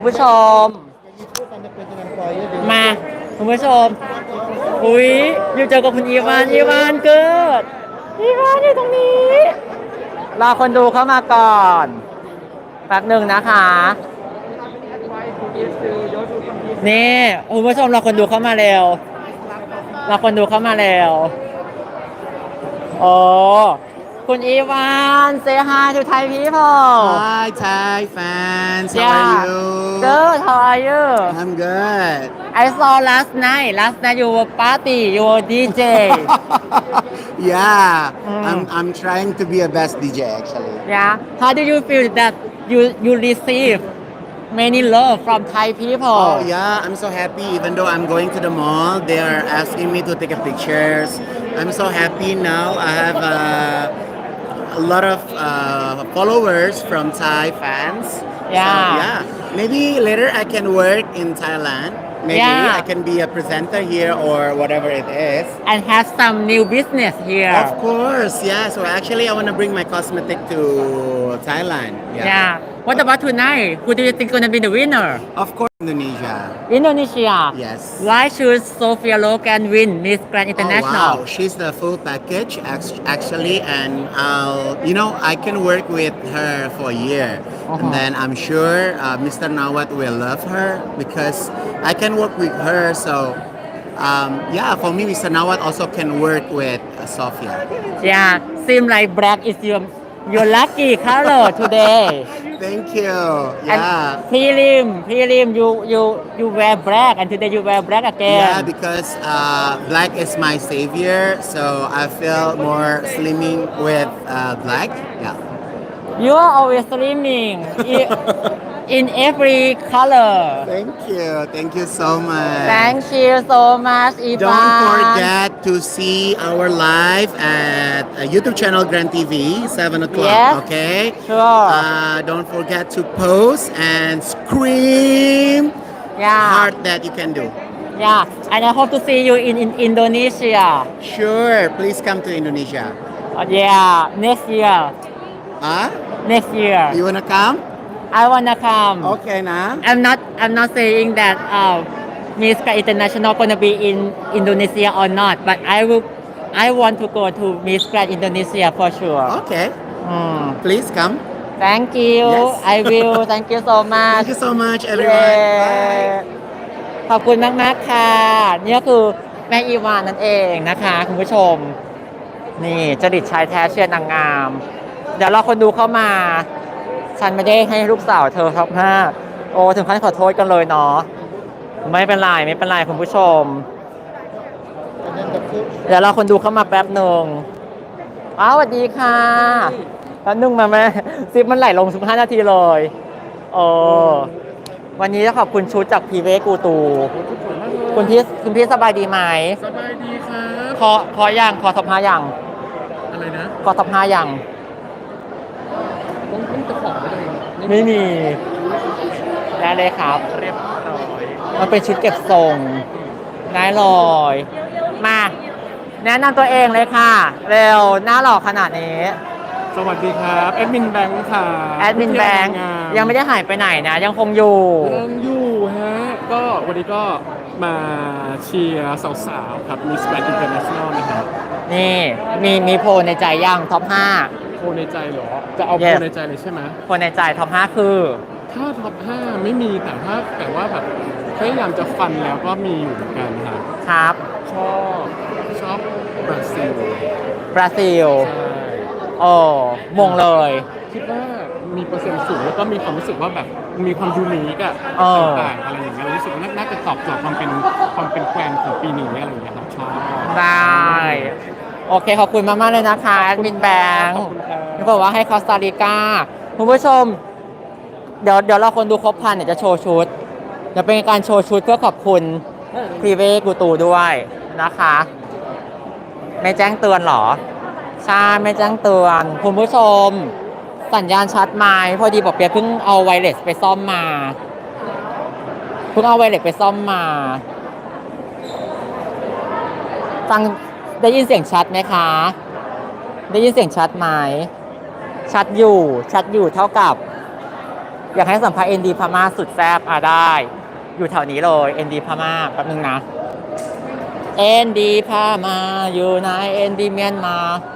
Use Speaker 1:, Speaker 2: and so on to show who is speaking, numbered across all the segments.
Speaker 1: คุณผู้ชมมาคุณผู้ชมอุ้ยอยู่เจอกับคุณอีวานเกิดอีวานอยู่ตรงนี้รอคนดูเข้ามาก่อนแป๊บหนึ่งนะคะนี่คุณผู้ชมรอคนดูเข้ามาเร็วรอคนดูเข้ามาเร็วโอ้คุณอีวาน say hi to Thai people.
Speaker 2: Hi Thai fans, how
Speaker 1: Yeah.
Speaker 2: are you?
Speaker 1: Good. How are you?
Speaker 2: I'm good.
Speaker 1: I saw last night. Last night you were party. You were DJ.
Speaker 2: Yeah, I'm trying to be a best DJ actually.
Speaker 1: Yeah. How do you feel that you receive many love from Thai people?
Speaker 2: Oh yeah, I'm so happy. Even though I'm going to the mall, they are asking me to take a pictures. I'm so happy now. I have a lot of followers from Thai fans.
Speaker 1: Yeah.
Speaker 2: So, yeah. Maybe later I can work in Thailand. Maybe
Speaker 1: Yeah.
Speaker 2: I can be a presenter here or whatever it is.
Speaker 1: And have some new business here.
Speaker 2: Of course, yeah. So actually, I want to bring my cosmetic to Thailand.
Speaker 1: Yeah. What about tonight? Who do you think gonna be the winner?
Speaker 2: Of course, Indonesia.
Speaker 1: Indonesia.
Speaker 2: Yes.
Speaker 1: Why should Sophia Logan win Miss Grand International?
Speaker 2: Oh, wow, she's the full package actually, and I can work with her for a year, and then I'm sure Mr. Nawat will love her because I can work with her. So, yeah, for me, Mr. Nawat also can work with Sophia.
Speaker 1: Yeah. Seem like black is your lucky color today.
Speaker 2: Thank you.
Speaker 1: And
Speaker 2: Yeah.
Speaker 1: prelim, you wear black, and today you wear black again.
Speaker 2: Yeah, because black is my savior, so I feel more slimming with black. Yeah.
Speaker 1: You are always slimming in every color.
Speaker 2: Thank you so much.
Speaker 1: Thank you so much, Ivan.
Speaker 2: Don't forget to see our live at YouTube channel Grand TV 7 o'clock.
Speaker 1: Yes.
Speaker 2: Okay.
Speaker 1: Sure.
Speaker 2: Don't forget to post and scream
Speaker 1: Yeah.
Speaker 2: hard that you can do.
Speaker 1: Yeah. And I hope to see you in Indonesia.
Speaker 2: Sure. Please come to Indonesia.
Speaker 1: Yeah. Next year.
Speaker 2: Huh?
Speaker 1: Next year.
Speaker 2: You wanna come?
Speaker 1: I wanna come.
Speaker 2: Okay, nah.
Speaker 1: I'm not saying that Miss International gonna be in Indonesia or not, but I want to go to Miss Grand Indonesia for sure.
Speaker 2: Okay.
Speaker 1: Mm.
Speaker 2: Please come.
Speaker 1: Thank you.
Speaker 2: Yes.
Speaker 1: I will. Thank you so much.
Speaker 2: Thank you so much, everyone.
Speaker 1: Yeah. ขอบคุณมาก ๆ ค่ะ นี่ก็คือแม่อีวานนั่นเองนะคะคุณผู้ชม นี่จริตชายแท้เชื่อนางงาม เดี๋ยวเราคนดูเข้ามา ฉันไม่ได้ให้ลูกสาวเธอท็อป5โอ้ถึงขั้นขอโทษกันเลยเนาะไม่เป็นไรคุณผู้ชม เดี๋ยวเราคนดูเข้ามาแป๊บหนึ่งอ้าวสวัสดีค่ะแป๊บนึงมาแม่ซิปมันไหลลง15 นาทีเลยวันนี้จะขอบคุณชุดจากพีเวกูตูคุณพี่สบายดีไหม
Speaker 3: สบายดีครับ
Speaker 1: ขอท็อป5อย่าง
Speaker 3: อะไรนะ
Speaker 1: ขอท็อป5อย่าง
Speaker 3: ต้องจะขออะไร
Speaker 1: ไม่มีได้เลยครับ
Speaker 3: เรียบร้อย
Speaker 1: มันเป็นชุดเก็บทรงได้เลยมาแนะนำตัวเองเลยค่ะ เร็วหน้าหล่อขนาดนี้
Speaker 3: สวัสดีครับแอดมินแบงค์ค่ะ
Speaker 1: แอดมินแบงค์
Speaker 3: งาม
Speaker 1: ยังไม่ได้หายไปไหนนะ ยังคงอยู่
Speaker 3: ยังอยู่ฮะก็วันนี้ก็มาเชียร์สาวๆครับมิสแกรนด์อินเตอร์เนชั่นแนลนะครับ
Speaker 1: นี่มีโพลในใจย่างท็อป
Speaker 3: โพลในใจเหรอ จะเอาโพ
Speaker 1: Yes
Speaker 3: ลในใจเลยใช่ไหม
Speaker 1: 5โพลในใจท็อป 5 คือ
Speaker 3: ถ้าท็อป 5 ไม่มีแต่ว่าแบบพยายามจะฟันแล้วก็มีอยู่เหมือนกันครับ
Speaker 1: ครับ
Speaker 3: ชอบบราซิล
Speaker 1: บราซิล
Speaker 3: ใช่
Speaker 1: โอ้มงเลย
Speaker 3: คิดว่ามีเปอร์เซ็นต์สูงแล้วก็มีความรู้สึกว่าแบบมีความยูนิคอะ
Speaker 1: เออ
Speaker 3: ต่างๆอะไรอย่างเงี้ยรู้สึกว่าน่าจะตอบโจทย์ความเป็นแกรนด์ของปีนี้อะไรอย่างเงี้ยครับชอบ
Speaker 1: ได้ โอเค ขอบคุณมาก ๆ เลยนะคะแอดมินแบงค์
Speaker 3: ขอบคุณครับ
Speaker 1: เขาบอกว่าให้คอสตาริกาคุณผู้ชม เดี๋ยวเราคนดูครบ1,000เนี่ยจะโชว์ชุดจะเป็นการโชว์ชุดเพื่อขอบคุณพรีเวกูตูด้วยนะคะ ไม่แจ้งเตือนเหรอ ใช่ไม่แจ้งเตือนคุณผู้ชม สัญญาณชัดไหมพอดีบอกเปียเพิ่งเอาไวเลสไปซ่อมมาฟังได้ยินเสียงชัดไหมคะ ได้ยินเสียงชัดไหมชัดอยู่เท่ากับอยากให้สัมภาษณ์เอ็นดีพม่าสุดแซ่บได้ อยู่แถวนี้เลยเอ็นดีพม่าแป๊บนึงนะเอ็นดีพม่าอยู่ในเอ็นดีเมียนมา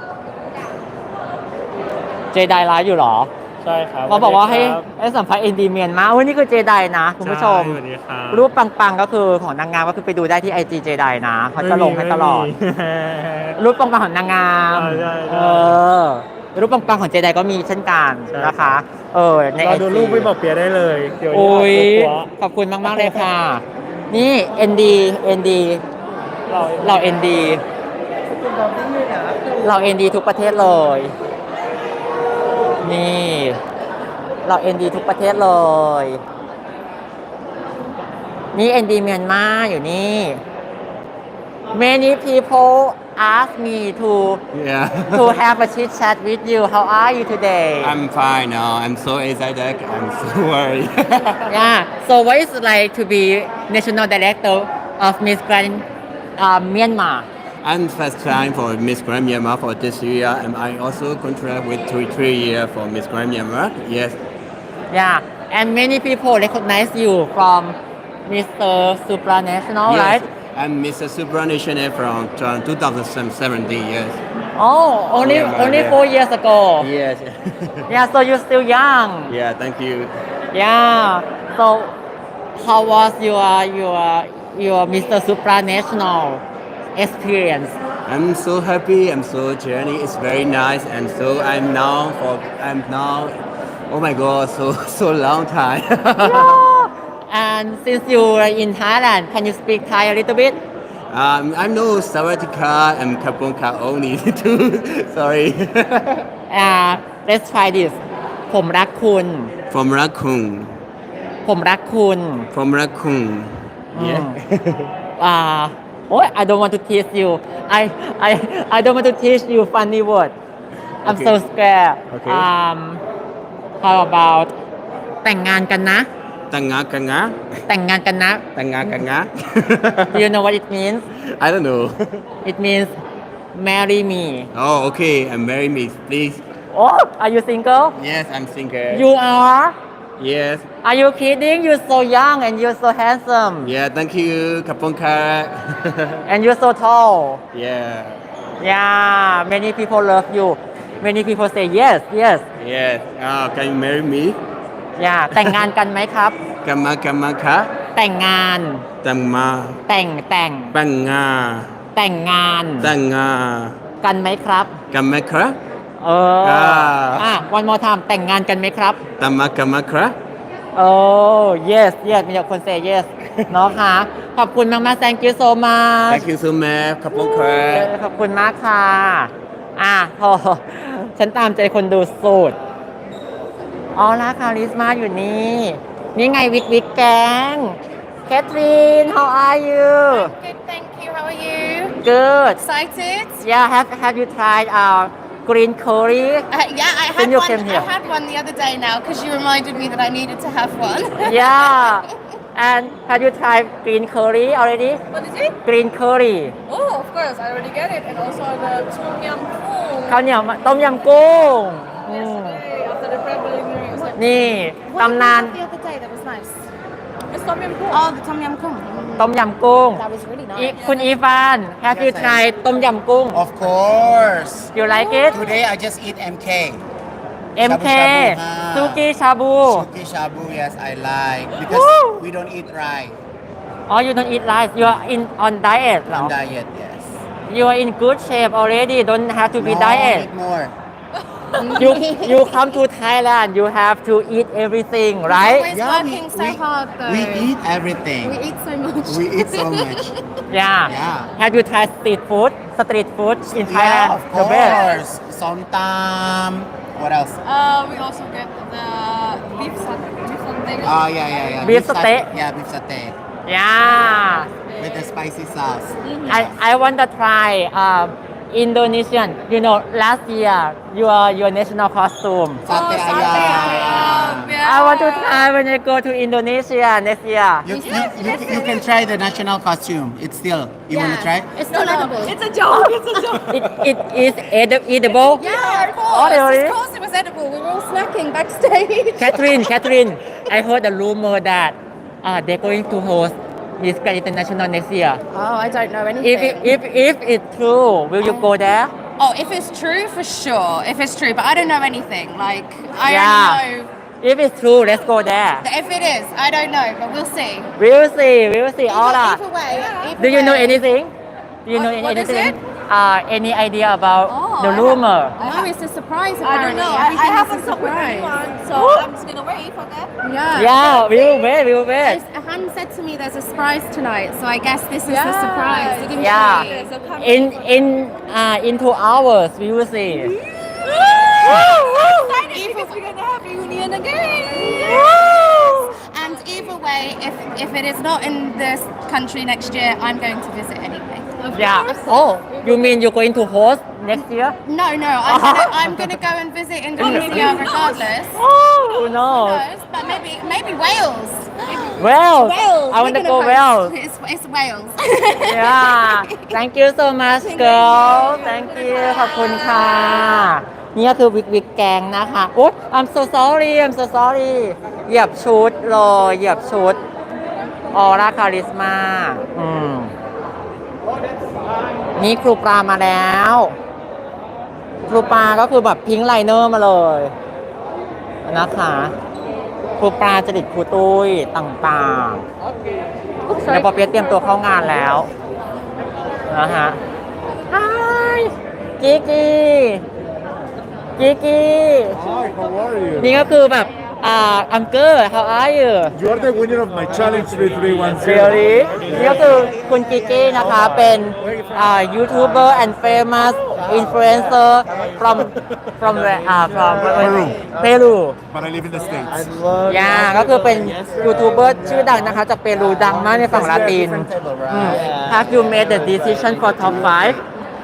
Speaker 1: เจไดไลฟ์อยู่เหรอ
Speaker 3: ใช่ครับ
Speaker 1: เขาบอกว่าให้สัมภาษณ์เอ็นดีเมียนมาวันนี้คือเจไดนะคุณผู้ชม
Speaker 3: สวัสดีครับ
Speaker 1: รูปปังๆก็คือของนางงามก็คือไปดูได้ที่ไอจีเจไดนะเขาจะลงให้ตลอด รูปปังๆของนางงาม
Speaker 3: ใช่
Speaker 1: เออรูปปังๆของเจไดก็มีเช่นกันนะคะ ใน
Speaker 3: เรา
Speaker 1: IG
Speaker 3: ดูรูปไม่บอกเปียได้เลยเดี๋ยว
Speaker 1: โอ้ย
Speaker 3: หัว
Speaker 1: ขอบคุณมากๆเลยค่ะ นี่ ND เรา ND เรา ND ทุกประเทศเลย นี่ เรา ND ทุกประเทศเลย นี่ ND เมียนมาอยู่นี่ Many people ask me
Speaker 2: Yeah.
Speaker 1: to have a chit chat with you. How are you today?
Speaker 2: I'm fine now. I'm so excited. I'm so worried.
Speaker 1: Yeah. So what is it like to be national director of Miss Grand Myanmar?
Speaker 2: I'm first time for Miss Grand Myanmar for this year, and I also contract with 3 years for Miss Grand Myanmar. Yes.
Speaker 1: Yeah. And many people recognize you from Mr. Supranational,
Speaker 2: Yes.
Speaker 1: right?
Speaker 2: I'm Mr. Supranational from 2017. Yes.
Speaker 1: Oh, only
Speaker 2: Yeah,
Speaker 1: only
Speaker 2: yeah.
Speaker 1: 4 years ago.
Speaker 2: Yes.
Speaker 1: Yeah. So you're still young.
Speaker 2: Yeah. Thank you.
Speaker 1: Yeah. So how was your Mr. Supranational experience?
Speaker 2: I'm so happy. I'm so journey. It's very nice, and so I'm now. Oh my God! So long time.
Speaker 1: Yeah. And since you are in Thailand, can you speak Thai a little bit?
Speaker 2: I know Savatika and Kaponka only too. Sorry.
Speaker 1: Let's try this. ผมรักคุณ
Speaker 2: From Raccoon.
Speaker 1: ผมรักคุณ
Speaker 2: From Raccoon. Yeah.
Speaker 1: I don't want to teach you. I don't want to teach you funny word. I'm so
Speaker 2: Okay.
Speaker 1: scared.
Speaker 2: Okay.
Speaker 1: How about แต่งงานกันนะ
Speaker 2: Tanga kanga.
Speaker 1: แต่งงานกันนะ
Speaker 2: Tanga kanga.
Speaker 1: Do you know what it means?
Speaker 2: I don't know.
Speaker 1: It means marry me.
Speaker 2: Oh, okay. And marry me, please.
Speaker 1: Oh, are you single?
Speaker 2: Yes, I'm single.
Speaker 1: You are?
Speaker 2: Yes.
Speaker 1: Are you kidding? You're so young and you're so handsome.
Speaker 2: Yeah. Thank you, Kaponka.
Speaker 1: And you're so tall.
Speaker 2: Yeah.
Speaker 1: Yeah, many people love you. Many people say yes, yes.
Speaker 2: Yes. Can you marry me?
Speaker 1: Yeah, แต่งงานกันไหมครับ
Speaker 2: Kama kama ka.
Speaker 1: แต่งงาน
Speaker 2: Tama.
Speaker 1: แต่ง
Speaker 2: Banga.
Speaker 1: แต่งงาน
Speaker 2: Tanga.
Speaker 1: กันไหมครับ
Speaker 2: Kama ka.
Speaker 1: one more time แต่งงานกันไหมครับ
Speaker 2: Tama kama ka.
Speaker 1: Yes, yes มีแต่คน say yes เนาะค่ะ ขอบคุณมากๆ thank you so much
Speaker 2: Thank you so much, Kaponka.
Speaker 1: ขอบคุณมากค่ะ โอ้ฉันตามใจคนดูสูตรอ๋อล่ะคาริสมาอยู่นี่ นี่ไงวิกแกงแคทรีน how are you
Speaker 4: Good, thank you. How are you?
Speaker 1: good
Speaker 4: Excited?
Speaker 1: yeah have you tried green curry
Speaker 4: Yeah, I
Speaker 1: When
Speaker 4: had
Speaker 1: you
Speaker 4: one.
Speaker 1: came here.
Speaker 4: I had one the other day now because you reminded me that I needed to have one.
Speaker 1: yeah and have you tried green curry already
Speaker 4: What is it?
Speaker 1: green curry
Speaker 4: Oh, of course, I already get it, and also the tom yum goong.
Speaker 1: ข้าวเหนียวต้มยำกุ้งอืม
Speaker 4: Yesterday, after the preliminary, it was like.
Speaker 1: นี่
Speaker 4: What
Speaker 1: ตำนาน
Speaker 4: did you have the other day that was nice? It's tom yum goong. Oh, the tom yum goong.
Speaker 1: ต้มยำกุ้ง
Speaker 4: That was really
Speaker 1: อี
Speaker 4: nice.
Speaker 1: คุณอีฟาน have you tried ต้มยำกุ้ง
Speaker 5: Of course.
Speaker 1: you like it
Speaker 5: Today I just eat MK.
Speaker 1: MK
Speaker 5: Shabu-shabu.
Speaker 1: ซูกิชาบู
Speaker 5: Suki shabu, yes, I like. Because
Speaker 1: Woo!
Speaker 5: we don't eat rice
Speaker 1: oh you don't eat rice you are on diet เหรอ
Speaker 5: on diet, yes.
Speaker 1: you are in good shape already don't have to be
Speaker 5: No,
Speaker 1: diet
Speaker 5: eat more.
Speaker 1: you come to Thailand you have to eat everything right
Speaker 4: Always working so hard though.
Speaker 5: We eat everything.
Speaker 4: We eat so much.
Speaker 5: We eat so much.
Speaker 1: yeah
Speaker 5: Yeah.
Speaker 1: have you tried street food in Thailand
Speaker 5: Yeah, of
Speaker 1: the best
Speaker 5: course. Somtam. What else?
Speaker 4: We also get the beef something.
Speaker 5: Oh, yeah.
Speaker 1: Beef steak.
Speaker 5: Yeah, beef steak.
Speaker 1: yeah
Speaker 5: With the spicy sauce.
Speaker 1: I want to try Indonesian you know last year your national costume
Speaker 5: Sate
Speaker 4: Sate
Speaker 5: ayam.
Speaker 4: ayam, yeah.
Speaker 1: I want to try when I go to Indonesia next year.
Speaker 5: You can try the national costume. It's still. You want to try?
Speaker 6: It's still edible.
Speaker 4: It's a joke. It's a joke.
Speaker 1: It is edible.
Speaker 4: Yeah, of course.
Speaker 1: Oh, really?
Speaker 4: Of course it was edible. We were all snacking backstage.
Speaker 1: Catherine, I heard a rumor that they're going to host Miss Grand International next year.
Speaker 4: Oh, I don't know anything.
Speaker 1: If it's true, will you go there?
Speaker 6: Oh, if it's true, for sure. If it's true, but I don't know anything. Like, I
Speaker 1: Yeah.
Speaker 6: only know.
Speaker 1: If it's true, let's go there.
Speaker 6: If it is, I don't know, but we'll see.
Speaker 1: We'll see. All right.
Speaker 6: Either way.
Speaker 1: Do you know anything? Do you know
Speaker 4: What is
Speaker 1: anything?
Speaker 4: it?
Speaker 1: Any idea about
Speaker 6: Oh,
Speaker 1: the
Speaker 6: I
Speaker 1: rumor?
Speaker 6: No, it's a surprise.
Speaker 4: I don't
Speaker 6: Apparently.
Speaker 4: know. I
Speaker 6: Everything is
Speaker 4: haven't
Speaker 6: a
Speaker 4: talked with
Speaker 6: surprise.
Speaker 4: anyone, so I'm just gonna wait for them.
Speaker 1: Yeah, we'll wait.
Speaker 6: Han said to me, "There's a surprise tonight," so I guess this is the
Speaker 4: Yeah.
Speaker 6: surprise. You can
Speaker 1: Yeah.
Speaker 6: see.
Speaker 4: So come
Speaker 1: In 2 hours, we will see.
Speaker 4: excited because we're gonna have a reunion again.
Speaker 6: And either way, if it is not in this country next year, I'm going to visit anyway.
Speaker 1: Yeah. Oh, you mean you're going to host next year?
Speaker 6: No, I'm gonna go and visit Indonesia regardless.
Speaker 1: Oh, who knows?
Speaker 6: Yes, but maybe Wales.
Speaker 1: Wales.
Speaker 6: Wales.
Speaker 1: I want to
Speaker 6: We're
Speaker 1: go
Speaker 6: gonna
Speaker 1: Wales.
Speaker 6: host. It's Wales.
Speaker 1: Yeah. Thank you so much, girl. Thank you. ขอบคุณค่ะ นี่ก็คือวิกแกงนะคะโอ๊ย I'm so sorry เหยียบชุดเลยเหยียบชุดออร่าคาริสมานี่ครูปลามาแล้ว ครูปลาก็คือแบบพิงค์ไลเนอร์มาเลยนะคะครูปลาจริตครูตุ้ยต่างๆแล้วปอเปี๊ยะเตรียมตัวเข้างานแล้วนะฮะ Hi กิกกี้
Speaker 7: Hi, how are you?
Speaker 1: นี่ก็คือแบบอังเกอร์ how are you
Speaker 7: You are the winner of my challenge 3310.
Speaker 1: really นี่ก็คือคุณกิกกี้นะคะเป็นYouTuber and famous influencer from where from Peru
Speaker 7: But I live in the States.
Speaker 1: ย่าก็คือเป็นยูทูบเบอร์ชื่อดังนะคะจากเปรูดังมากในฝั่งลาติน Have you made the decision for top 5?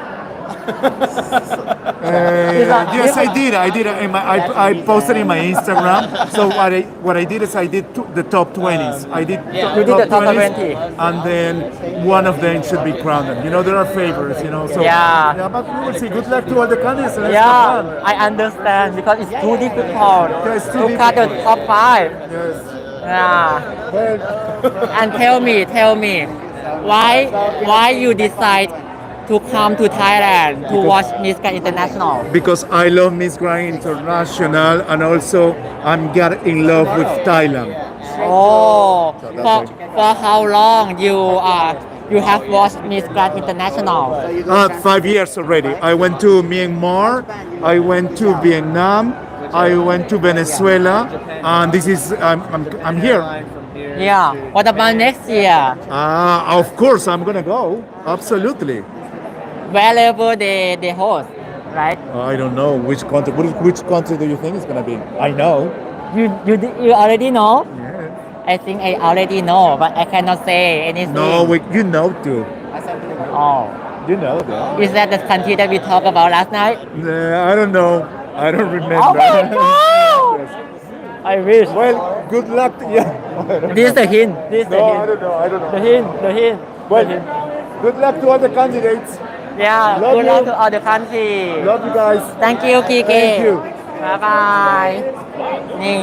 Speaker 7: Yes, I did. I posted in my Instagram. So what I did is I did the top 20s. I did
Speaker 1: You did the top 20.
Speaker 7: and then one of them should be crowned. You know, there are favors. You know, so
Speaker 1: Yeah.
Speaker 7: But we will see. Good luck to all the candidates. and let's have
Speaker 1: Yeah,
Speaker 7: fun.
Speaker 1: I understand because it's too difficult
Speaker 7: Yeah, it's too
Speaker 1: to cut the top 5.
Speaker 7: Yes.
Speaker 1: Yeah.
Speaker 7: Well,
Speaker 1: And tell me, why you decide to come to Thailand to watch Miss Grand International?
Speaker 7: because I love Miss Grand International and also I'm got in love with Thailand.
Speaker 1: Oh, for how long you have watched Miss Grand International?
Speaker 7: 5 years already. I went to Myanmar, I went to Vietnam, I went to Venezuela, and this is I'm here.
Speaker 1: Yeah. What about next year?
Speaker 7: Of course, I'm gonna go. Absolutely.
Speaker 1: Wherever they host, right?
Speaker 7: I don't know which country. Which country do you think is gonna be? I know.
Speaker 1: You already know? I think I already know, but I cannot say anything.
Speaker 7: No, you know too.
Speaker 1: Oh.
Speaker 7: You know that.
Speaker 1: Is that the country that we talked about last night?
Speaker 7: I don't know. I don't remember.
Speaker 1: Oh my God! I wish.
Speaker 7: Well, good luck. Yeah.
Speaker 1: This is the hint. This is the
Speaker 7: No, I
Speaker 1: hint.
Speaker 7: don't know. I don't know.
Speaker 1: The hint.
Speaker 7: Well, good luck to all the candidates.
Speaker 1: Yeah.
Speaker 7: Love
Speaker 1: Good luck
Speaker 7: you.
Speaker 1: to all the country.
Speaker 7: Love you guys.
Speaker 1: Thank you, Kiki.
Speaker 7: Thank you.
Speaker 1: บ๊ายบายนี่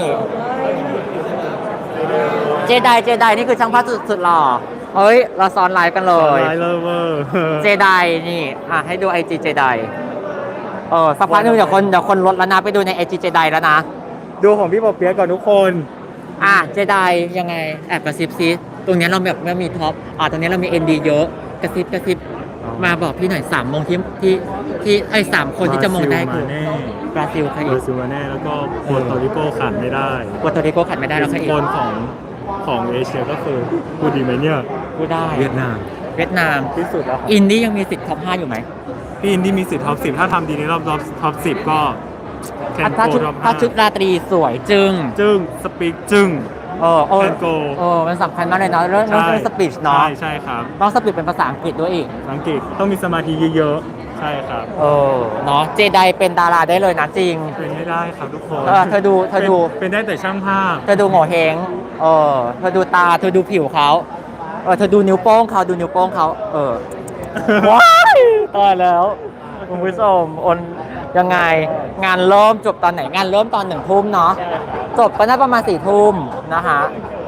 Speaker 1: เจไดนี่คือช่างภาพสุดหล่อ เฮ้ย เราซ้อนไลฟ์กันเลย
Speaker 3: ไลเวอร์
Speaker 1: เจไดนี่ให้ดูไอจีเจไดสักพักหนึงเดี๋ยวคนลดแล้วนะไปดูในไอจีเจไดแล้วนะ
Speaker 3: ดูของพี่ปอเปี๊ยะก่อนทุกคน
Speaker 1: เจไดยังไงแอบกระซิบซิตรงนี้เราแบบไม่มีท็อปตรงนี้เรามี ND เยอะกระซิบมาบอกพี่หน่อย3 โมงที่ไอ้3 คนที่จะมองได้คือบราซิลใครอีก
Speaker 3: ซิวาแน่แล้วก็โปรโตริโกขาดไม่ได้
Speaker 1: กัวโตริโกขัดไม่ได้แล้วใครอีก
Speaker 3: คนของเอเชียก็คือพูดดีไหมเนี่ย
Speaker 1: พูดได้
Speaker 3: เวียดนาม
Speaker 1: เวียดนาม
Speaker 3: ที่สุดแล้ว
Speaker 1: อินดี้ยังมีสิทธิ์ท็อป 5 อยู่ไหม
Speaker 3: พี่อินดี้มีสิทธิ์ท็อป 10 ถ้าทำดีในรอบท็อป 10 ก็แคน
Speaker 1: ถ้า
Speaker 3: โก
Speaker 1: ชุด
Speaker 3: ท็อป
Speaker 1: ถ้าชุดราตรีสวยจึง
Speaker 3: จึ้งสปีกจึ้งแคนโก
Speaker 1: มันสำคัญมากเลยเนาะเรื่องสปีชเนาะ
Speaker 3: ใช่ครับ
Speaker 1: ต้องสปีชเป็นภาษาอังกฤษด้วยอีก
Speaker 3: ภาษาอังกฤษต้องมีสมาธิเยอะๆ ใช่ครับ
Speaker 1: เนาะเจไดเป็นดาราได้เลยนะจริง
Speaker 3: เป็นไม่ได้ครับทุกคน
Speaker 1: เธอดู
Speaker 3: เป็นได้แต่ช่างภาพ
Speaker 1: เธอดูโง่เฮงเธอดูตาเธอดูผิวเขาเธอดูนิ้วโป้งเขาดูนิ้วโป้งเขาว้ายตายแล้วคุณผู้ชมยังไงงานเริ่มจบตอนไหนงานเริ่มตอน1 ทุ่มเนาะจบก็น่าประมาณ4 ทุ่มนะคะ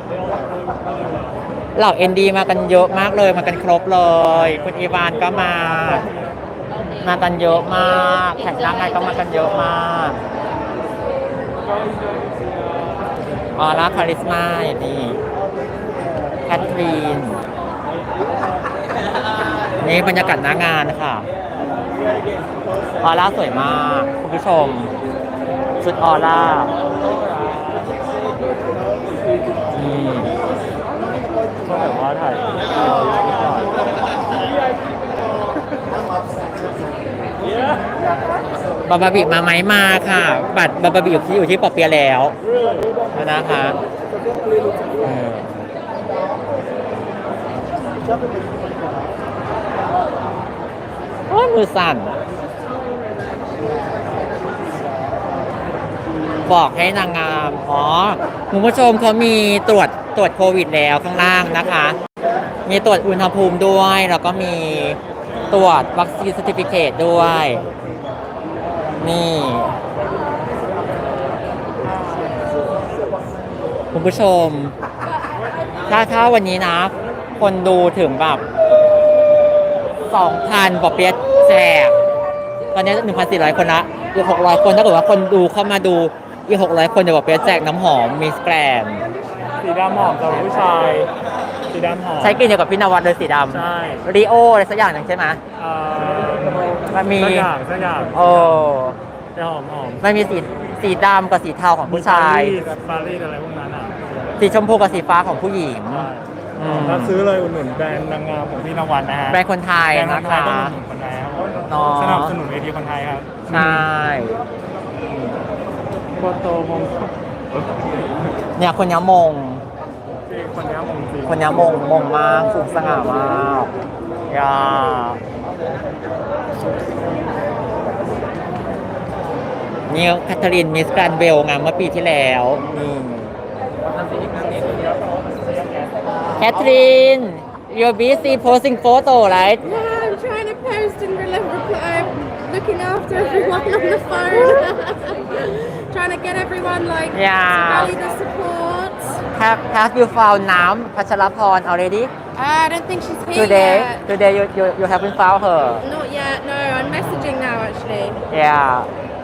Speaker 1: เหล่า ND มากันเยอะมากเลยมากันครบเลยคุณอีวานก็มากันเยอะมากแขกนักงานก็มากันเยอะมากออร่าคาริสมาอย่างนี้แคทรีนนี่บรรยากาศหน้างานค่ะออร่าสวยมากคุณผู้ชมชุดออร่านี่ก็แบบว่าถ่ายบาบาบิมาไหมมาค่ะบัตรบาบาบิอยู่ที่ปอเปียะแล้วนะคะโอ้ยมือสั่นบอกให้นางงามคุณผู้ชมเขามีตรวจโควิดแล้วข้างล่างนะคะ มีตรวจอุณหภูมิด้วยแล้วก็มีตรวจวัคซีน certificate ด้วยนี่คุณผู้ชมถ้าวันนี้นะคนดูถึงแบบ 2,000 ปอเปี๊ยะแจกตอนนี้ 1,400 คนละอีก600 คนถ้าเกิดว่าคนดูเข้ามาดูอีก600 คนเดี๋ยวปอเปี๊ยะแจกน้ำหอมมิสแกรนด์
Speaker 3: สีดำหอมสำหรับผู้ชาย สีดำหอม
Speaker 1: ใช้กลิ่นเดียวกับพี่นวัดเลยสีด
Speaker 3: ใช่
Speaker 1: ำริโออะไรสักอย่างหนึ่งใช่ไหมมันมี
Speaker 3: สักอย่าง จะหอม
Speaker 1: มันมีสีดำกับสีเทาของผู้ชาย
Speaker 3: ปารีสอะไรพวกนั้นอ่ะ
Speaker 1: สีชมพูกับสีฟ้าของผู้หญิง
Speaker 3: ถ้าซื้อเลยอุดหนุนแบรนด์นางงามของพี่นวัดนะฮะ
Speaker 1: แบรนด์คนไทย
Speaker 3: แบรนด์ค
Speaker 1: นะ
Speaker 3: นไทย
Speaker 1: คะ
Speaker 3: ต้องอุดหนุนคนไทยครับ
Speaker 1: เนาะ
Speaker 3: สนับสนุนเวทีคนไทยครับ
Speaker 1: ใช่
Speaker 3: โคโตมง
Speaker 1: เนี่ยคนนี้มง
Speaker 3: คนนี้มงจริง
Speaker 1: คนนี้มงมากสูงสง่ามากนี่แคทเธอรีนมิสแกรนด์เวลงานเมื่อปีที่แล้วแคทเธอรีน you're busy posting photo right
Speaker 4: Yeah, I'm trying to post and I'm looking after everyone on the phone. Trying to get everyone like
Speaker 1: Yeah.
Speaker 4: to rally the support.
Speaker 1: have you found Nam Pacharaporn already
Speaker 4: I don't think she's here yet.
Speaker 1: today you haven't found her
Speaker 4: Not yet. No, I'm messaging now actually.
Speaker 1: yeah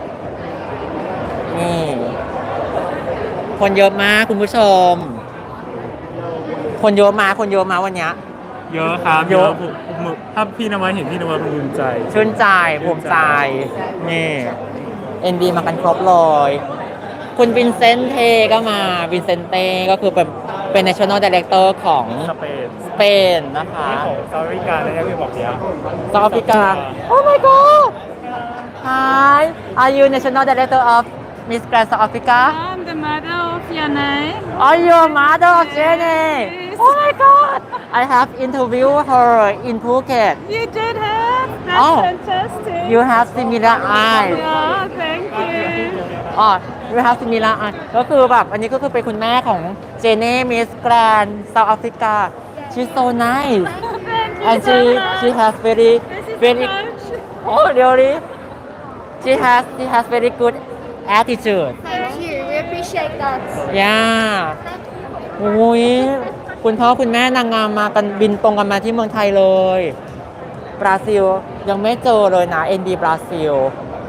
Speaker 1: นี่คนเยอะมากคุณผู้ชม คนเยอะมากวันเนี้ย
Speaker 3: เยอะครับ
Speaker 1: เยอะ
Speaker 3: ผมถ้าพี่นวัดเห็นพี่นวัดภูมิใจ
Speaker 1: ชื่นใจภูมิใจนี่เอ็นดีมากันครบเลย คุณวินเซนเทก็มาวินเซนเต้ก็คือเป็น national director ของ
Speaker 3: สเปน
Speaker 1: สเปนนะคะ
Speaker 3: นี่ของซาอุดิอาระเบียนะพี่บอกเดียว
Speaker 1: South Africa Oh my god Hi Are you national director of Miss Grand South Africa
Speaker 8: I'm the mother of Yanai.
Speaker 1: Are you a mother of Jenny Oh my god I have interviewed her in Phuket
Speaker 8: You did have? That's
Speaker 1: Oh.
Speaker 8: fantastic.
Speaker 1: You have similar eyes
Speaker 8: Yeah, thank you.
Speaker 1: อ๋อ you have similar eyes ก็คือแบบอันนี้ก็คือเป็นคุณแม่ของเจเน่มิสแกรนด์ South Africa She's so nice
Speaker 8: Thank you
Speaker 1: and
Speaker 8: so
Speaker 1: she
Speaker 8: much.
Speaker 1: has
Speaker 8: This is
Speaker 1: very
Speaker 8: so much.
Speaker 1: Oh really she has very good attitude
Speaker 6: Thank you. We appreciate that.
Speaker 1: ย่าโอ้ยคุณพ่อคุณแม่นางงามมากันบินตรงกันมาที่เมืองไทยเลย บราซิลยังไม่เจอเลยนะ ND บราซิล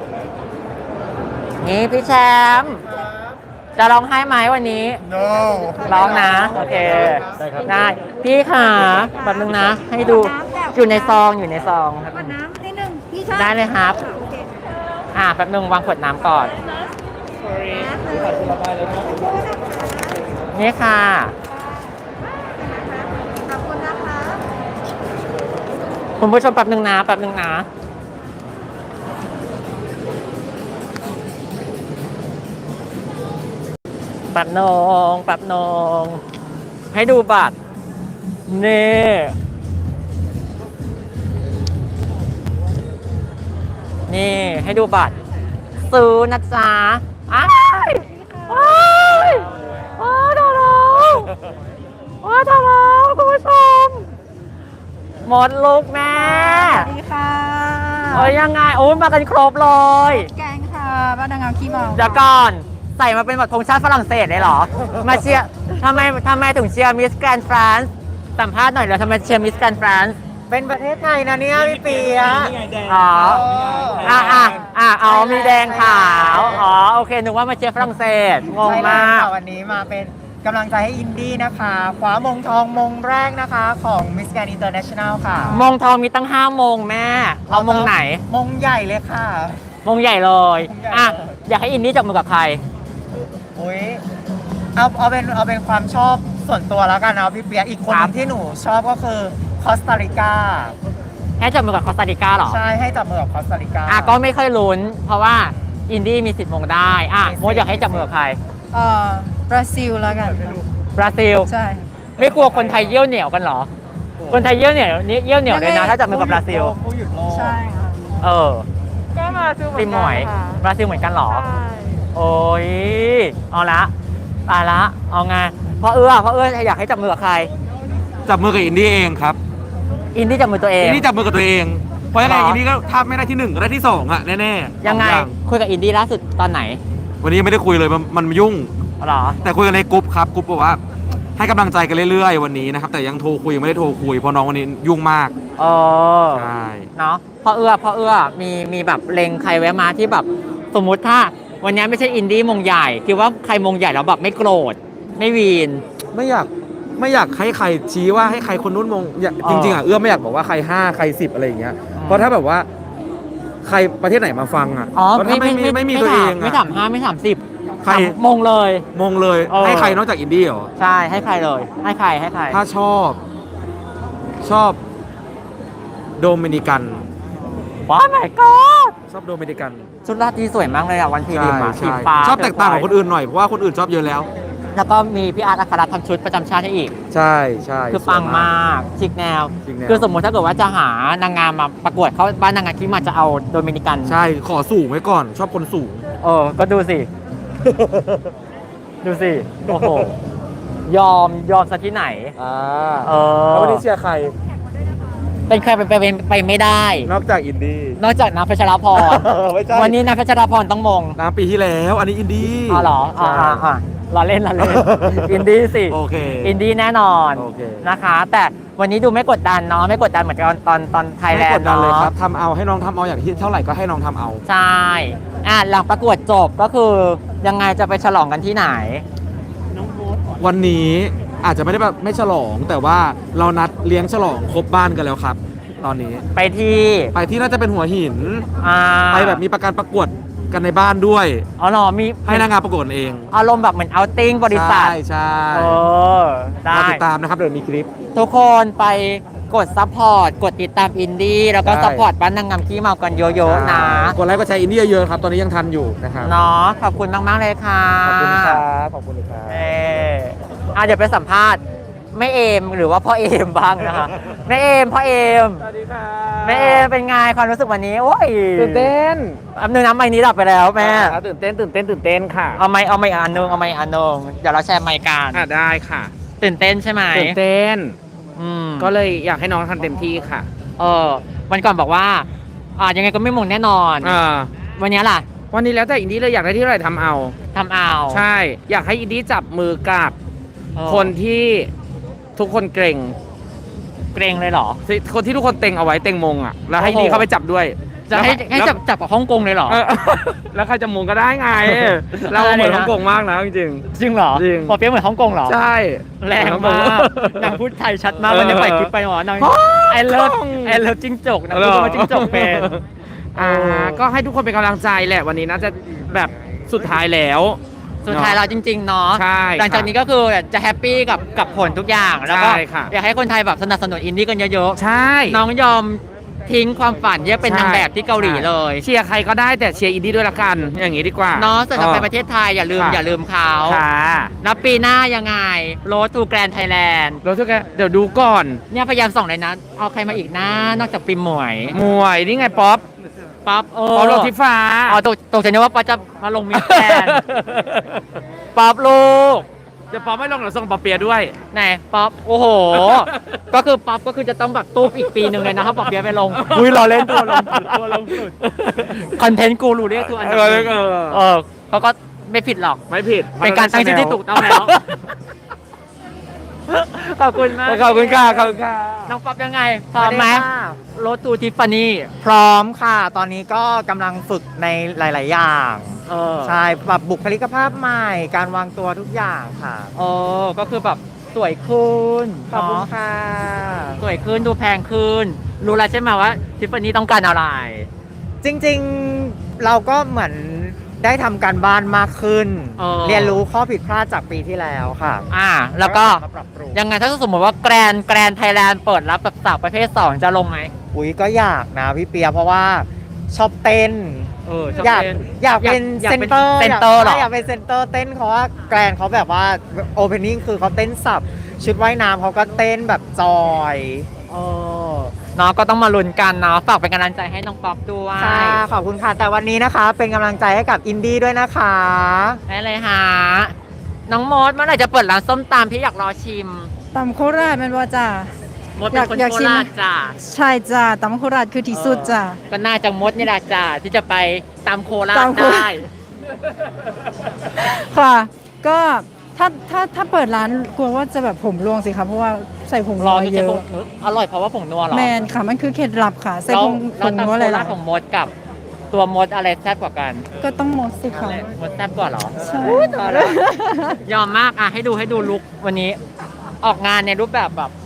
Speaker 1: นี่พี่แชมป์จะร้องไห้ไหมวันนี้
Speaker 5: No.
Speaker 1: ร้องนะ โอเค ได้พี่ขาแบบนึงนะ ให้ดูอยู่ในซองครับ
Speaker 6: น้ำนิดนึงพี่
Speaker 1: ได้เลยครับ แป๊บนึงวางขวดน้ำก่อน นี่ค่ะ
Speaker 6: ขอบคุณนะคะ
Speaker 1: คุณผู้ชมแป๊บนึงนะป๊บนงแป๊บนงให้ดูบัตรนี่นี่ให้ดูบัตรซื้อนะจ๊ะอ้ายอ้ายอ้ายตายแล้วอ้ายตายแล้วคุณผู้ชมหมดลูกแม่
Speaker 6: สวัสดีค่ะ
Speaker 1: เอ้ยยังไงโอ้ยมากันครบเลย
Speaker 6: แกงค่ะบ้านนางงามขี้เมา
Speaker 1: เดี๋ยวก่อนใส่มาเป็นแบบธงชาติฝรั่งเศสเลยเหรอ มาเชียร์ทำไมถึงเชียร์มิสแกรนด์ฟรานซ์สัมภาษณ์หน่อยแล้วทำไมเชียร์มิสแกรนด์ฟรานซ์เป็นประเทศไทยนะเนี่ยพี่ปีอะอ๋ออ๋อมีแดงขาวอ๋อโอเคนึกว่ามาเชียร์ฝรั่งเศสงงมาก
Speaker 9: วันนี้มาเป็นกำลังใจให้อินดี้นะคะคว้ามงทองมงแรกนะคะของ Miss Grand International ค่ะ
Speaker 1: มงทองมีตั้ง5โมงแม่เอามงไหน
Speaker 9: มงใหญ่เลยค่ะ
Speaker 1: มงใหญ่เลย
Speaker 9: มงใหญ่
Speaker 1: อ่ะ
Speaker 9: เลย
Speaker 1: อยากให้อินดี้จับมือกับใคร
Speaker 9: อุ้ยเอาเป็นความชอบส่วนตัวแล้วกันนะพี่เปียกอีกคนห
Speaker 1: ครั
Speaker 9: นึ
Speaker 1: บ
Speaker 9: งที่หนูชอบก็คือคอสตาริกา
Speaker 1: ให้จับมือกับคอสตาริกาเหรอ
Speaker 9: ใช่ให้จับมือกับคอสตาริกา
Speaker 1: อ่ะก็ไม่ค่อยลุ้น เพราะว่าอินดี้มีสิทธิ์มงได้อ่ะ
Speaker 9: มีสิทธิ์
Speaker 1: โมอยากให้จับมือกับใคร
Speaker 6: บราซิลแล้วกัน
Speaker 1: บราซิล
Speaker 6: ใช่
Speaker 1: ไม่กลัวคนไทยเยี่ยวเหนียวกันเหรอ คนไทยเยี่ยวเหนียวนี่เยี่ยวเหนียวเลยนะ ถ้าจับมือกับบราซิล
Speaker 9: ผู้หยุดโลก
Speaker 6: ใช่ค่ะ
Speaker 1: เออ
Speaker 8: ก็มาซื้อเหมื
Speaker 1: ติ
Speaker 8: อน
Speaker 1: มหม
Speaker 8: กั
Speaker 1: วย
Speaker 8: นค่ะ
Speaker 1: บราซิลเหมือนกันเหรอ
Speaker 8: ใช่
Speaker 1: โอ้ยเอาละตายละเอาไงเพราะอยากให้จับมือกับใคร
Speaker 10: จับมือกับอินดี้เองครับ
Speaker 1: อินดี้จับมือตัวเอง
Speaker 10: อินดี้จับมือกับตัวเอง เพราะยังไง
Speaker 1: หรอ
Speaker 10: อินดี้ก็ถ้าไม่ได้ที่ 1 ก็ได้ที่ 2อ่ะแน่ๆ
Speaker 1: ยังไง
Speaker 10: สออา
Speaker 1: คุยกับอินดี้ล่าสุดตอนไหน
Speaker 10: วันนี้ยังไม่ได้คุยเลยมันยุ่ง
Speaker 1: เหรอ
Speaker 10: แต่คุยกันในกรุ๊ปครับกรุ๊ปบอกว่าให้กำลังใจกันเรื่อยๆวันนี้นะครับแต่ยังโทรคุยยังไม่ได้โทรคุยเพราะน้องวันนี้ยุ่งมาก
Speaker 1: เออ
Speaker 10: ใช่
Speaker 1: เนาะพอมีแบบเล็งใครไว้มาที่แบบสมมุติถ้าวันนี้ไม่ใช่อินดี้มงใหญ่คิดว่าใครมงใหญ่แล้วแบบไม่โกรธไม่วีน
Speaker 10: ไม่อยากให้ใครชี้ว่าให้ใครคนนู้นมงจริงๆอ่ะไม่อยากบอกว่าใคร5ใคร10อะไรอย่างเงี้ยเพราะถ้าแบบว่าใครประเทศไหนมาฟังอ่ะ
Speaker 1: อ๋อ
Speaker 10: เพราะถ้าไม่มีตัวเอง
Speaker 1: ไม่
Speaker 10: อ่ะ
Speaker 1: ถาม5ไม่ถาม10
Speaker 10: ใคร
Speaker 1: มงเลย
Speaker 10: มงเลย
Speaker 1: เออ
Speaker 10: ให้ใครนอกจากอินดี้เหรอ
Speaker 1: ใช่ให้ใครเลยให้ใคร
Speaker 10: ถ้าชอบโดมินิกัน
Speaker 1: ว้าว my god
Speaker 10: ชอบโดมินิกัน
Speaker 1: ชุดราตรีสวยมากเลยอ่ะวันพีริมอ่ะสี
Speaker 10: ใช่
Speaker 1: ฟ้า
Speaker 10: ชอบแตกต่างกับคนอื่นหน่อยเพราะว่าคนอื่นชอบเยอะแล้ว
Speaker 1: แล้วก็มีพี่อาร์ตอัครรัตน์ทำชุดประจำชาติให้อีก
Speaker 10: ใช่
Speaker 1: คือปังมากชิกแนว
Speaker 10: ชิคแนว
Speaker 1: คือสมมุติถ้าเกิดว่าจะหานางงามมาประกวดเขาบ้านนางงามที่มาจะเอาโดมินิกัน
Speaker 10: ใช่ขอสูงไว้ก่อน ชอบคนสูง
Speaker 1: ก็ดูสิ ดูสิ โอ้โห ยอมซะที่ไหน
Speaker 10: แล้ววันนี้เชียร์ใคร
Speaker 1: เป็นใครไปไม่ได้
Speaker 10: นอกจากอินดี้
Speaker 1: นอกจากน้ำพัชรพร
Speaker 10: ไม่ใช่
Speaker 1: วันนี้น้ำพัชรพรต้องมง
Speaker 10: น้ำปีที่แล้ว อันนี้อินดี้
Speaker 1: อ๋อเหรออ๋อ
Speaker 10: ใช่
Speaker 1: เราเล่น อินดี้สิ
Speaker 10: โอเค
Speaker 1: อินดี้แน่นอน
Speaker 10: โอเค
Speaker 1: นะคะ แต่วันนี้ดูไม่กดดันเนาะ ไม่กดดันเหมือนตอนไทยแล
Speaker 10: ไม่
Speaker 1: น
Speaker 10: กด
Speaker 1: ด์
Speaker 10: ดันเลยครับ
Speaker 1: เนาะ
Speaker 10: ทำเอาให้น้องทำเอาอย่างที่เท่าไหร่ก็ให้น้องทำเอา
Speaker 1: ใช่ หลังประกวดจบก็คือยังไงจะไปฉลองกันที่ไหน
Speaker 10: วันนี้อาจจะไม่ได้แบบไม่ฉลอง แต่ว่าเรานัดเลี้ยงฉลองครบบ้านกันแล้วครับ ตอนนี้
Speaker 1: ไปที่
Speaker 10: ไปที่น่าจะเป็นหัวหิน
Speaker 1: อ่า
Speaker 10: ไปแบบมีประกวดกันในบ้านด้วย
Speaker 1: อ๋อเหรอมี
Speaker 10: ให้นางงามประกวดเอง
Speaker 1: อารมณ์แบบเหมือนเอาติ้งบริษัท
Speaker 10: ใช่
Speaker 1: เออ ได้
Speaker 10: รอติดตามนะครับเดี๋ยวมีคลิป
Speaker 1: ทุกคนไปกดซัพพอร์ต กดติดตามอินดี้แล้วก็
Speaker 10: ใช่
Speaker 1: ซัพพอร์ตบ้านนางงามขี้เมากันเยอะๆนะ
Speaker 10: กดไลค์กดแชร์อินดี้เยอะๆครับ ตอนนี้ยังทันอยู่นะครับ
Speaker 1: เนาะขอบคุณมาก ๆ เลยค่ะ
Speaker 10: ขอบคุณครับขอบคุณครับ
Speaker 1: เดี๋ยวไปสัมภาษณ์แม่เอมหรือว่าพ่อเอมบ้างนะคะแม่เอมพ่อเอม
Speaker 3: สวัสดีค่ะ
Speaker 1: แม่เอมเป็นไงความรู้สึกวันนี้โอ้ย
Speaker 3: ตื่นเต้น
Speaker 1: อันนึงน้ำไม้นี้ดับไปแล้วแม่
Speaker 3: ตื่นเต้นค่ะ
Speaker 1: เอาไม้อันนึงเดี๋ยวเราแชร์ไมค์กัน
Speaker 3: ได้ค่ะ
Speaker 1: ตื่นเต้นใช่ไหม
Speaker 3: ตื่นเต้น
Speaker 1: อืม
Speaker 3: ก็เลยอยากให้น้องทำเต็มที่ค่ะ
Speaker 1: วันก่อนบอกว่ายังไงก็ไม่มงแน่นอน วันนี้ล่ะ
Speaker 3: วันนี้แล้วแต่อินดี้เลยอยากได้ที่อะไรทำเอา
Speaker 1: ทำเอา
Speaker 3: ใช่ อยากให้อินดี้จับมือกับ
Speaker 1: เออ
Speaker 3: คนที่ทุกคนเกรง
Speaker 1: เกรงเลยเหรอ
Speaker 3: คนที่ทุกคนเต็งเอาไว้เต็งมงอ่ะ แล้วให้อินดี้เข้าไปจับด้วย
Speaker 1: จะให้
Speaker 3: แล้ว
Speaker 1: จับกับฮ่องกงเลยเหรอ
Speaker 3: เออ แล้วใครจะมงก็ได้ไง เราเหมือนฮ่องกงมากนะจริง
Speaker 1: จริงเหรอ
Speaker 3: จริง
Speaker 1: พอเปี๊ยกเหมือนฮ่องกงเหรอ
Speaker 3: ๆ ใช่
Speaker 1: แรงมากนางพูดไทยชัดมาก
Speaker 3: เออ
Speaker 1: วันนี้ปล่อยคลิปไปหมอนางไอเลิฟจิ้งจกนางพูดว่าจิ้งจกเป็น
Speaker 3: ก็ให้ทุกคนเป็นกำลังใจแหละวันนี้น่าจะแบบสุดท้ายแล้ว
Speaker 1: สุดท้ายเราจริง ๆ เนาะ
Speaker 3: ใช่
Speaker 1: หลังจากนี้ก็คือจะแฮปปี้กับผลทุกอย่าง แล้วก็
Speaker 3: ใช่ค่ะ
Speaker 1: อยากให้คนไทยแบบสนับสนุนอินดี้กันเยอะ
Speaker 3: ใช่
Speaker 1: ๆ น้องยอมทิ้งความฝันที่จะเป็นนางแบบที่เกาหลีเลย
Speaker 10: เชียร์ใครก็ได้แต่เชียร์อินดี้ด้วยละกัน อย่างนี้ดีกว่า
Speaker 1: เนาะส่วนต่อไปประเทศไทยอย่าลืม
Speaker 10: ค่ะ
Speaker 1: อย่าลืมเขา
Speaker 10: ค่ะ
Speaker 1: แล้วปีหน้ายังไง Road to Grand Thailand
Speaker 10: รถทุกแกเดี๋ยวดูก่อน
Speaker 1: เนี่ยพยายามส่องเลยนะ เอาใครมาอีกนะนอกจากปิมหมวย
Speaker 10: มวยนี่ไงป๊อป
Speaker 1: ป๊อป
Speaker 10: ป๊อปรถทิฟ้า
Speaker 1: อ๋อตกใจนึกว่าป๊อปจะมาลงมิสแกรนด์ ป๊อปลูก
Speaker 10: จะป๊อปไม่ลงหรอส่งป๊อปเปียด้วย
Speaker 1: ไหนป๊อปโอ้โห ก็คือป๊อปก็คือจะต้องแบบตู้อีกปีหนึ่งเลยนะถ้าป๊อปเปียไปลง
Speaker 10: อุ้ยรอเล่นตัวลงสุด
Speaker 1: คอนเทนต์กูรูเรียกตัวอันดับหนึ่ง เขาก็ไม่ผิดหรอก
Speaker 10: ไม่ผิด
Speaker 1: เป็นการตั้งชื่อที่ถูกต้องแล้ว ขอบคุณมาก
Speaker 10: ขอบคุณค่ะขอบคุณค่ะ
Speaker 1: น้องป๊อปยังไง พร้อมไหมรถตูทิฟฟานี่
Speaker 9: พร้อมค่ะ ตอนนี้ก็กำลังฝึกในหลาย ๆ อย่าง ใช่ปรับบุคลิกภาพใหม่ การวางตัวทุกอย่างค่ะ
Speaker 1: ก็คือแบบสวยขึ้น
Speaker 9: ขอบคุณ
Speaker 1: เนาะ
Speaker 9: ค่ะ
Speaker 1: สวยขึ้นดูแพงขึ้น รู้แล้วใช่ไหมว่าทิฟฟานี่ต้องการอะไร
Speaker 9: จริง ๆ เราก็เหมือนได้ทำการบ้านมากขึ้น เรียนรู้ข้อผิดพลาดจากปีที่แล้วค่ะ
Speaker 1: แล้วก็
Speaker 9: มาปรับปรุง
Speaker 1: ยังไงถ้าสมมติว่าแกรนไทยแลนด์เปิดรับแบบสาวประเภท 2 จะลงไหม
Speaker 9: อุ้ยก็อยากนะพี่เปียเพราะว่าชอบเต้น
Speaker 1: ชอบ
Speaker 9: อยาก
Speaker 1: เต้น
Speaker 9: อยากเป็น
Speaker 1: อยาก
Speaker 9: เซ
Speaker 1: เป็น
Speaker 9: นเตอร์
Speaker 1: เซนเตอร์เหรอ
Speaker 9: อยากเป็นเซนเตอร์เต้นเพราะว่าแกรนเขาแบบว่าโอเพนนิ่งคือเขาเต้นสับชุดว่ายน้ำเขาก็เต้นแบบจอย
Speaker 1: เนาะก็ต้องมาลุ้นกันเนาะฝากเป็นกำลังใจให้น้องป๊อปด้วย
Speaker 9: ค่ะขอบคุณค่ะ แต่วันนี้นะคะ เป็นกำลังใจให้กับอินดี้ด้วยนะคะ
Speaker 1: ได้เลยฮะน้องมดเมื่อไหร่จะเปิดร้านส้มตำพี่อยากรอชิม
Speaker 8: ตำโคราชแมันว่าจ้าม
Speaker 1: ดเป็นคน
Speaker 8: อยาก
Speaker 1: โค
Speaker 8: ชิม
Speaker 1: ราชจ้า
Speaker 8: ใช่จ้าตำโคราชคือที่สุดจ้า
Speaker 1: ก็น่าจะมดนี่แหละจ้าที่จะไปตามโคราช
Speaker 8: ตามโคราช
Speaker 1: ได้
Speaker 8: ค่ะ ก็ถ้าเปิดร้านกลัวว่าจะแบบผมร่วงสิคะเพราะว่าใส่ผง
Speaker 1: ร
Speaker 8: นั
Speaker 1: อ
Speaker 8: ว
Speaker 1: ไม่
Speaker 8: เย
Speaker 1: ใช่
Speaker 8: อะ
Speaker 1: ผงอร่อยเพราะว่าผงนัวเหรอ
Speaker 8: แมนค่ะ มันคือเคล็ดลับค่ะ ใส่
Speaker 1: แล้ว
Speaker 8: ผง
Speaker 1: แล้วตาม
Speaker 8: นัว
Speaker 1: โค
Speaker 8: อะไร
Speaker 1: รา
Speaker 8: ล่ะ
Speaker 1: ชของมดกับตัวมดอะไรแซ่บกว่ากัน
Speaker 8: ก็ต้องหมดสิค่ะ
Speaker 1: มดแซ่บกว่าเหรอ
Speaker 8: ใช่
Speaker 1: ตายแล้วยอมมากอ่ะให้ดูลุควันนี้ ออกงานในรูปแบบแบบ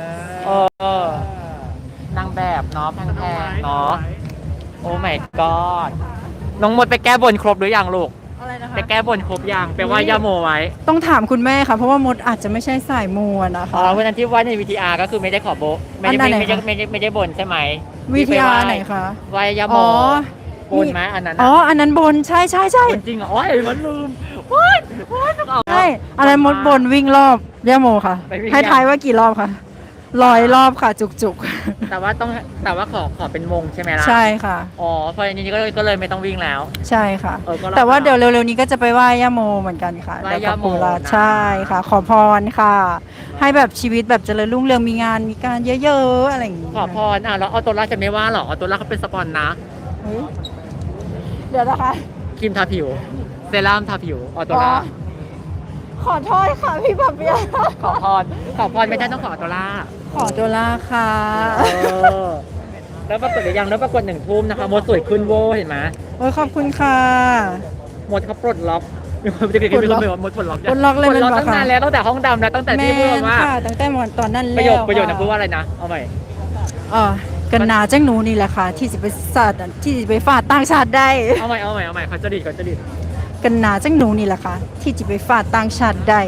Speaker 1: นางแบบเนาะแพงๆเนาะโอ้ my god น้องมดไปแก้บนครบหรือยังลูก
Speaker 8: อะไรนะคะ
Speaker 1: ไปแก้บนครบยังไปไหว้ย่าโมไว้
Speaker 8: ต้องถามคุณแม่ค่ะ เพราะว่ามดอาจจะไม่ใช่สายมูอะนะคะ
Speaker 1: วันนั้นที่ไหว้ใน VTR ก็คือไม่ได้ขอโบะไม่ได้
Speaker 8: อันไหน
Speaker 1: ไม่ได้
Speaker 8: คะ
Speaker 1: ไม่ได้บนใช่ไหม
Speaker 8: VTR ไหนคะ
Speaker 1: ไหว้ย่าโม
Speaker 8: อ๋อบ
Speaker 1: นไหมอันนั้น
Speaker 8: อ๋อ อันนั้นบนใช่ใช่ใช่
Speaker 1: บนจริงเหรอโอ้ยมันลืมว้ายต้องเอา
Speaker 8: ใช่อันนั้นมดบนวิ่งรอบย่าโมค่ะ
Speaker 1: ไปวิ่ง
Speaker 8: ให้ทายว่ากี่รอบคะ100 รอบค่ะ จุก
Speaker 1: แต่ว่าขอเป็นวงใช่ไหมล่ะ
Speaker 8: ๆ ใช่ค่ะ
Speaker 1: อ๋อเพราะอันนี้ก็เลยไม่ต้องวิ่งแล้ว
Speaker 8: ใช่ค่ะ
Speaker 1: ก็รอบ
Speaker 8: แต่ว่าเดี๋ยวเร็วๆนี้ก็จะไปไหว้ย่าโมเหมือนกันค่ะ
Speaker 1: ไหว้ย่าโม
Speaker 8: เดี๋วกับโคราช
Speaker 1: นะ
Speaker 8: ใช่ค่ะ ขอพรค่ะ ให้แบบชีวิตแบบเจริญรุ่งเรืองมีงานมีการเยอะๆอะไรอย่างงี้
Speaker 1: ขอพรแล้วเอาตัวล่าจะไม่ว่าหรอเอาตัวล่าเขาเป็นสปอนนะ
Speaker 8: เฮ้ยเดี๋ยวนะคะ
Speaker 1: ครีมทาผิว เซรั่มทาผิวเอาตัวล่า
Speaker 8: ขอโทษค่ะพี่ปับเปีย
Speaker 1: ขอพรไม่ได้ต้องขอตัวล่า
Speaker 8: ขอตัวลาค่ะ
Speaker 1: แล้วปรากฏหรือยังแล้วปรากฏ1 ทุ่มนะคะมดสวยขึ้นโว้เห็นไหม
Speaker 8: โอ้ยขอบคุณค่ะ
Speaker 1: มดเขาปลดล็อกมีคนจะเรียกมีคนบอกมดปลดล็อก
Speaker 8: ปลดล็อกเลย
Speaker 1: ปลดล็อก
Speaker 8: มันบอก
Speaker 1: ตั้งนานแล้วตั้งแต่ห้องดำแล้วตั้งแต่
Speaker 8: แม
Speaker 1: ที่พูด
Speaker 8: น
Speaker 1: ว่า
Speaker 8: ค่ะตั้งแต่วันตอนนั้น
Speaker 1: ป
Speaker 8: แล้ว
Speaker 1: ระโยคนั้น
Speaker 8: ค่
Speaker 1: พูดว่าอะไรนะเอาใหม่
Speaker 8: กันหนาจังหนูนี่แหละค่ะ ที่จะไปสาดที่จะไปฟาดต่างชาติได้
Speaker 1: เอาใหม่เขาจะดี
Speaker 8: กันหนาจังหนูนี่แหละค่ะ ที่จะไปฟาดต่างชาติได้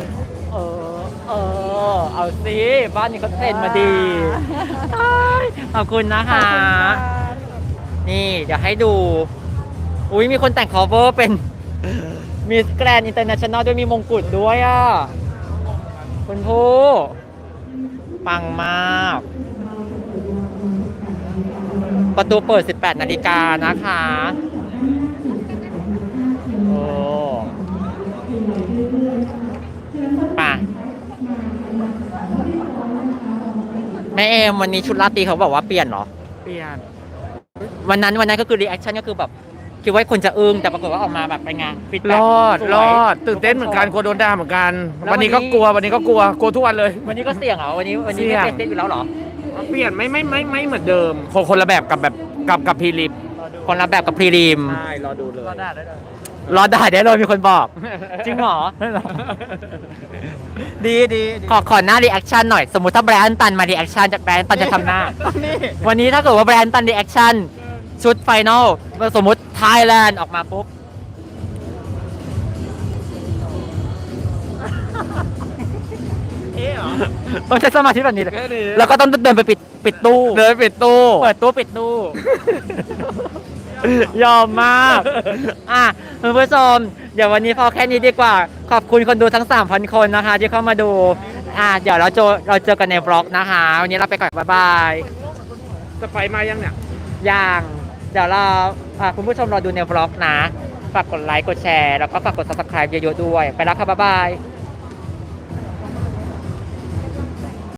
Speaker 1: เอาสิบ้านนี้เขาเทรนมาดีขอบคุณนะคะ นี่เดี๋ยวให้ดู อุ้ยมีคนแต่ง cover เป็นมิสแกรนด์อินเตอร์เนชั่นแนลด้วยมีมงกุฎด้วยอ่ะคุณผู้ปังมาก ประตูเปิด 18 นาฬิกานะคะโอ้ป่ะแม่เอมวันนี้ชุดราตรีเขาบอกว่าเปลี่ยนเหรอ
Speaker 10: เปลี่ยน
Speaker 1: วันนั้นก็คือรีแอคชั่นก็คือแบบคิดว่าคนจะอึ้งแต่ปรากฏว่าออกมาแบบเป็นไงฟีด
Speaker 10: ร
Speaker 1: แบ็ก
Speaker 10: อดตื่นเต้นเหมือนกันกลัวโดนด่าเหมือนกัน
Speaker 1: แล้ว
Speaker 10: วันนี้ก็กลัวทุกวันเลย
Speaker 1: วันนี้ก็เสี่ยงเหรอวันนี้
Speaker 10: เสี่
Speaker 1: ไม่
Speaker 10: ยง
Speaker 1: เต้นอยู่แล้วเหรอ
Speaker 10: เปลี่ยนไม่เหมือนเดิมคนละแบบกับพีริป
Speaker 1: คนละแบบกับพรีริม
Speaker 10: ใช่รอดูเลย
Speaker 1: รอได้เลยมีคนบอก จริงเหรอ
Speaker 10: ดี
Speaker 1: ขอหน้ารีแอคชั่นหน่อย สมมุติถ้าแบรนด์ตันมารีแอคชั่นจากแบรนด์ตันจะทำหน้า วันนี้ถ้าเกิดว่าแบรนด์ตันรีแอคชั่นชุดไฟนอลสมมุติไทยแลนด์ออกมาปุ๊บต้องใช้สมาธิแบบนี้เลย
Speaker 10: แค่นี้
Speaker 1: แล้วก็ต้องเดินไปปิดตู้
Speaker 10: เดินปิดตู้
Speaker 1: เปิดตู้ปิดตู้ ยอมมาก อ่ะคุณผู้ชมเดี๋ยววันนี้พอแค่นี้ดีกว่า ขอบคุณคนดูทั้ง 3,000 คนนะคะ ที่เข้ามาดู เดี๋ยวเราเจอกันในบล็อกนะคะ วันนี้เราไปก่อนบ๊ายบาย
Speaker 10: จะไปมายังเนี่ย
Speaker 1: อย่างเดี๋ยวเราคุณผู้ชมรอดูในบล็อกนะ ฝากกดไลค์กดแชร์แล้วก็ฝากกด subscribe เยอะๆด้วย ไปแล้วค่ะบ๊ายบาย